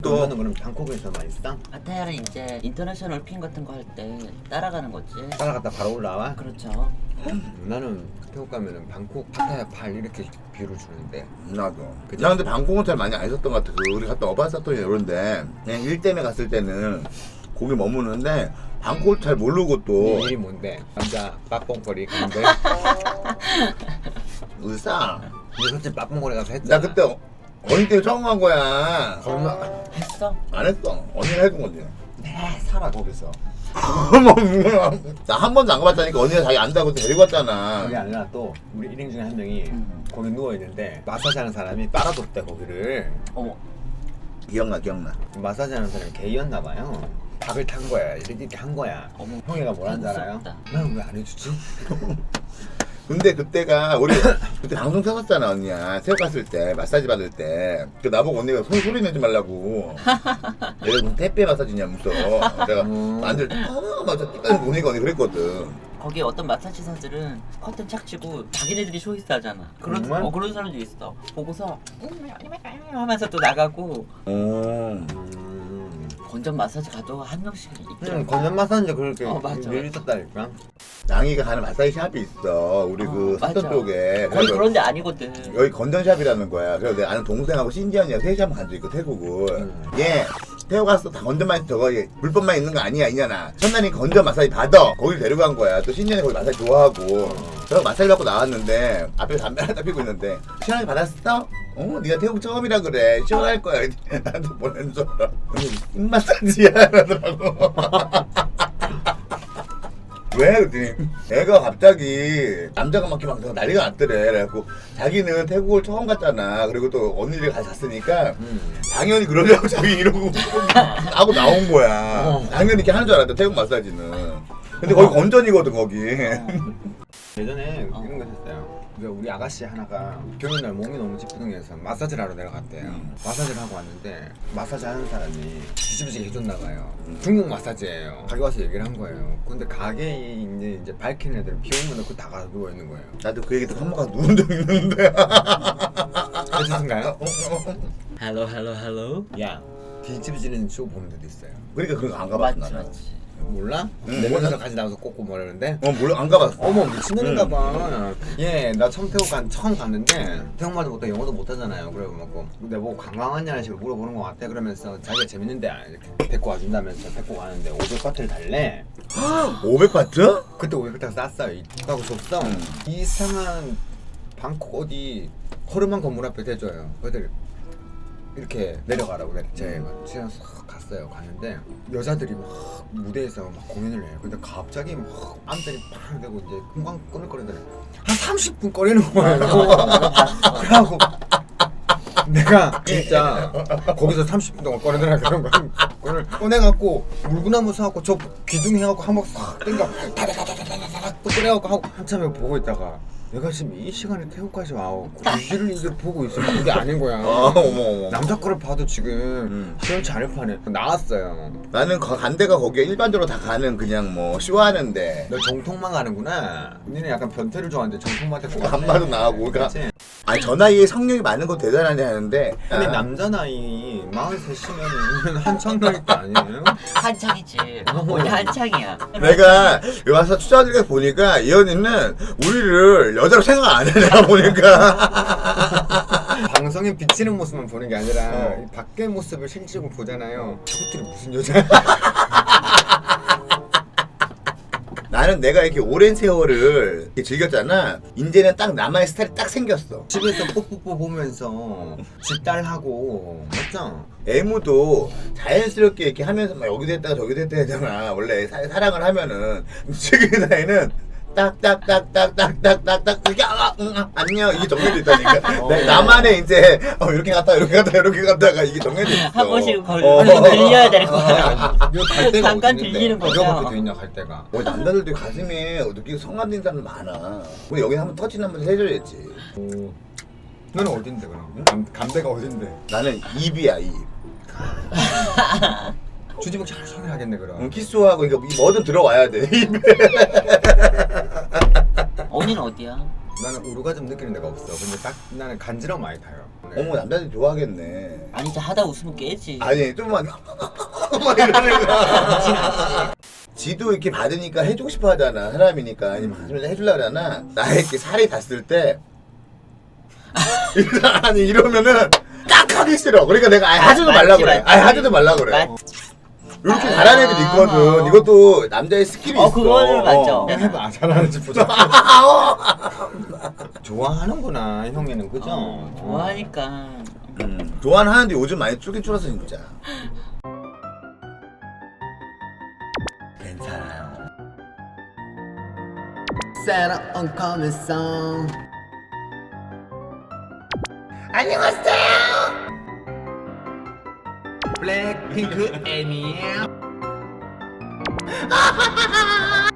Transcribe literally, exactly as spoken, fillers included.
또 너는 그럼 방콕에서 많이 싸? 파타야는 이제 인터내셔널 핀 같은 거 할 때 따라가는 거지. 따라갔다 바로 올라와? 그렇죠. 나는 태국 가면은 방콕 파타야 팔 이렇게 뷰를 주는데 나도. 나 근데 방콕은 잘 많이 안 있었던 것 같아. 그 우리 갔다 어바사토니 이런데 그냥 일 때문에 갔을 때는 거기 머무는데 방콕을 잘 모르고 또 네 일이 뭔데? 남자 빠뽕거리 가는데 의사. 근데 솔직히 빠뽕거리 가서 했잖아. 나 그때 어- 언니 때문에 처음 간 거야. 얼마 했어? 안 했어. 언니가 해준 거지. 내 살아 거기서. 나 한 번도 안 가봤다니까 언니가 자기 안다고 데리고 왔잖아. 그게 아니라 또 우리 일행 중에 한 명이 음. 거기 누워 있는데 마사지 하는 사람이 빨아줬대 거기를. 어머. 기억나 기억나. 마사지 하는 사람이 게이였나 봐요. 밥을 탄 거야. 이렇게, 이렇게 한 거야. 어머. 형이가 뭐라는 줄 알아요? 무섭다. 난 왜 안 해주지? 근데 그때가 우리 그때 방송 켰었잖아 언니야. 새우 갔을 때 마사지 받을 때 그 나보고 언니가 손 소리 내지 말라고. 얘가 무슨 택배 마사지냐 무서. 내가 음. 만들 때 아, 맞아 띠까지 보니까 언니 그랬거든. 거기 어떤 마사지사들은 커튼 착 치고 자기네들이 쇼이스 하잖아. 그런 정말? 어 그런 사람도 있어. 보고서 음, 하면서 또 나가고 오. 음. 건전 마사지 가도 한 명씩 있더라고. 응, 건전 마사지인데 그렇게 어, 맞아. 늘 있었다니까. 낭이가 가는 마사지 샵이 있어. 우리 어, 그 맞아. 사천 쪽에. 거기 그래서 그런 데 아니거든. 여기 건전샵이라는 거야. 그래서 내 아는 동생하고 신지연이랑 셋이 한번 간 적 있고 태국을. 음. 얘 태국 가서 다 건전만 저거 얘 불법만 있는 거 아니야 이냐나. 첫날이 건전 마사지 받아. 거길 데려간 거야. 또 신지연이 거기 마사지 좋아하고. 그래서 마사지 받고 나왔는데 앞에 담배 하나 피고 있는데 시원하게 받았어? 어? 네가 태국 처음이라 그래. 시원할 거야. 나한테 보낸 줄 알아. 언니 입 마사지야 이러더라고. 왜? 그랬더니 애가 갑자기 남자가 막 이렇게 막 난리가 났더래. 그래갖고 자기는 태국을 처음 갔잖아. 그리고 또 언니를 같이 갔으니까 음. 당연히 그러려고 자기 이러고 하고 나온 거야. 어. 당연히 이렇게 하는 줄 알았다 태국 마사지는. 근데 거기 건전이거든 거기. 예전에 어. 이런 거 있었어요. 그 우리 아가씨 하나가 경유날 몸이 너무 찌뿌둥해서 마사지를 하러 내려갔대요. 음. 마사지를 하고 왔는데 마사지 하는 사람이 뒤집어지게 해줬나 봐요. 중국 마사지예요. 가게 와서 얘기를 한 거예요. 근데 가게에 이제 이제 밝힌 애들은 비용만 넣고 다 가서 누워 있는 거예요. 나도 그 얘기 듣고 한 번 가서 누운 적 있는데. 해주신가요? 헬로 헬로 헬로. 야 뒤집어지는 쇼 보는 데도 있어요. 그러니까 그거 안 가봤어 맞지 나는. 맞지. 몰라? 응, 내 몰라. 혼자서 같이 나와서 꽂고 뭐라는데? 어 몰라 안 가봤어. 어머 미친놈인가 봐. 예, 나 처음 태국 간 처음 갔는데 태국말도 못하고 영어도 못하잖아요. 그래고 막 내보고 관광하냐는 식으로 물어보는 것 같아. 그러면서 자기가 재밌는데 이렇게 데리고 와준다면서 데리고 가는데 오백 바트를 달래. 오백 바트? 그때 오백 바트가 쌌어요. 하고 줬어. 음. 이상한 방콕 어디 허름한 건물 앞에 대줘요. 그들 이렇게 내려가라고 그래. 제가 취해서 싹 갔어요. 갔는데 여자들이 막 무대에서 막 공연을 해요. 근데 갑자기 막 암들이 팡 되고 이제 금방 꺼내꺼내더래. 한 삼십 분 꺼내는 거예요. 그래갖고 내가 진짜 거기서 삼십 분 동안 꺼내더라 그런 거. 그걸 꺼내갖고 물구나무 사갖고 저 귀둥이 해갖고 한번 싹 땡겨 다다다다다다닥 또 꺼내갖고 하고 한참에 보고 있다가 내가 지금 이 시간에 태국까지 와고 이를 이제 보고 있으면 그게 아닌 거야. 아 어머 어머. 남자 거를 봐도 지금 음. 시원치 않을 판에 나왔어요. 나는 거- 간 데가 거기에 일반적으로 다 가는 그냥 뭐 쇼하는데 너 정통만 가는구나. 니는 약간 변태를 좋아하는데 정통만 데리고 가네. 안마도 나가고 그러니까 그치? 아니 저 나이에 성욕이 많은 건 대단하네 하는데 근데 아, 남자 나이 마흔셋이면 한창 나이 때 아니에요? 한창이지. 원래 한창이야. 내가 여기 와서 추자들에 보니까 이 언니는 우리를 여자로 생각 안 해. 내가 보니까 방송에 비치는 모습만 보는 게 아니라 어. 이 밖의 모습을 실제로 보잖아요. 저것들이 무슨 여자야? 나는 내가 이렇게 오랜 세월을 이렇게 즐겼잖아. 이제는 딱 나만의 스타일이 딱 생겼어. 집에서 뽀뽀뽀 보면서 집딸하고 맞죠? 애무도 자연스럽게 이렇게 하면서 막 여기도 했다가 저기도 했다 하잖아. 원래 사, 사랑을 하면은 지금 나이는 딱딱딱딱딱딱딱 이렇게 아, 응, 아, 안녕 이게 정해져 있다니까. 어. 나- 나만의 이제 어, 이렇게 갔다 이렇게 갔다 이렇게 갔다가 이게 정해져 있어. 한 번씩 걸 어. 들려야 될 거야. 이거 갈 데가 잠깐 어디 있는데? 들리는 거죠. 이거밖에 돼 있냐 갈 데가? 뭐 남자들도 가슴에 느끼고 성감된 사람들 많아. 우리 여기 한번 터치 한번 해줘야지. 오. 너는 어딘데 그럼? 감, 감대가 어딘데? 나는 입이야 입. 주지목 잘 소개하겠네 그럼. 응, 키스하고 이거 뭐든 들어와야 돼 입에. 언니는 어디야? 나는 오르가즘 느끼는 데가 없어. 근데 딱 나는 간지러움 많이 타요. 네. 어머 남자들이 좋아하겠네. 아니 진짜 하다 웃으면 깨지. 아니 좀만 막 이러는 거. 지도 이렇게 받으니까 해주고 싶어 하잖아. 사람이니까 아니면 해주려고 하잖아. 나에게 살이 닿았을 때 아니 이러면은 딱 하기 싫어. 그러니까 내가 아예 하지도 말라 맞지, 그래. 맞지. 아예 하지도 말라 그래. 맞- 이렇게 아, 잘하는 애들이 있거든. 어. 이것도 남자의 스킬이 어, 있어. 그거는 맞죠. 그냥 해봐. 잘하는지 보자. 좋아하는구나 형이는 그죠? 어, 좋아하니까. 음, 좋아는 하는데 요즘 많이 줄긴 줄었어 진짜. 괜찮아요. 새로운 커뮤니성. 안녕하세요. 블랙핑크 애니에요.